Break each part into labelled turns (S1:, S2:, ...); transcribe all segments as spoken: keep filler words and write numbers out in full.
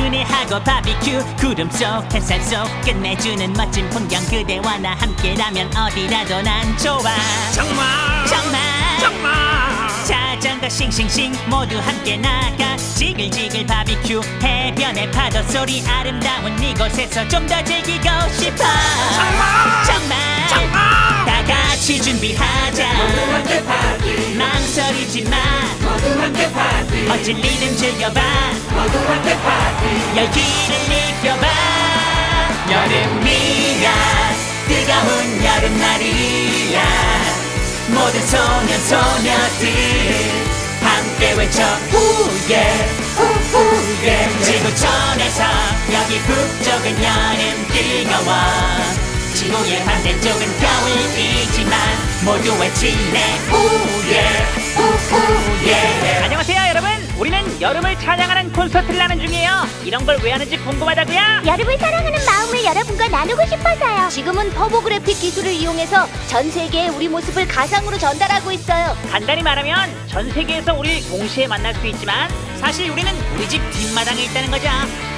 S1: 그네하고 바비큐 구름 속 햇살 속 끝내주는 멋진 풍경 그대와 나 함께라면 어디라도 난 좋아
S2: 정말
S1: 정말
S2: 정말
S1: 자전거 싱싱싱 모두 함께 나가 지글지글 바비큐 해변의 파도 소리 아름다운 이곳에서 좀 더 즐기고 싶어
S2: 정말
S1: 정말
S2: 정말
S1: 다 같이 준비하자
S2: 모두 함께 파티
S1: 망설이지 마
S2: 모두 함께 파티
S1: 멋진 리듬 즐겨봐
S2: 모두 함께 파티
S1: 열기를 느껴봐 여름이야 뜨거운 여름날이야 모든 소년 소녀들 함께 외쳐 후예 후후예 지구촌에서 여기 북쪽은 여름 뜨거워 지구의 반대쪽은 겨울이지만 모두 외치네 후예 후후예.
S3: 안녕하세요 여러분, 우리는 여름을 찬양하는 콘서트를 하는 중이에요. 이런 걸 왜 하는지 궁금하다고요?
S4: 여름을 사랑하는 마음을 여러분과 나누고 싶어서요. 지금은 터보그래픽 기술을 이용해서 전 세계에 우리 모습을 가상으로 전달하고 있어요.
S3: 간단히 말하면 전 세계에서 우리를 동시에 만날 수 있지만 사실 우리는 우리 집 뒷마당에 있다는 거죠.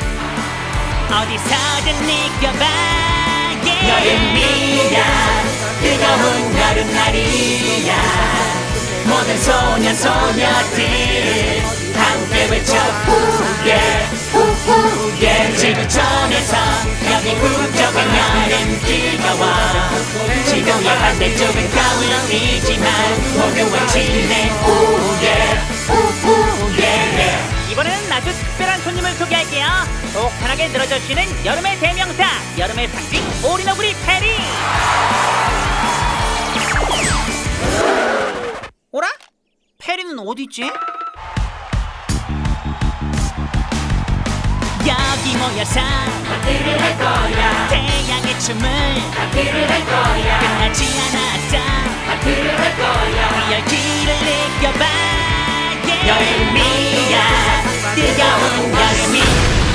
S1: 어디서든 느껴봐 yeah. 여름이야 뜨거운 여름날이야 모든 소년 소녀들 함께 외쳐 후예 후후예 지구촌에서 여기 북쪽은 여름 뜨거워 지구의 반대쪽은 겨울이지만 모두 외치네 후예 후후예.
S3: 이번에는 아주 특별한 손님을 소개할게요. 속 편하게 늘어져 쉬는 여름의 대명사, 여름의 상징 오리너구리 페리.
S1: 오라? 페리는 어디있지? 여기 모여서
S2: 파티를 할 거야
S1: 태양의 춤을
S2: 파티를 할 거야
S1: 끝나지 않았어
S2: 파티를 할 거야
S1: 열기를 느껴봐 yeah. 여름이야 뜨거운 여름이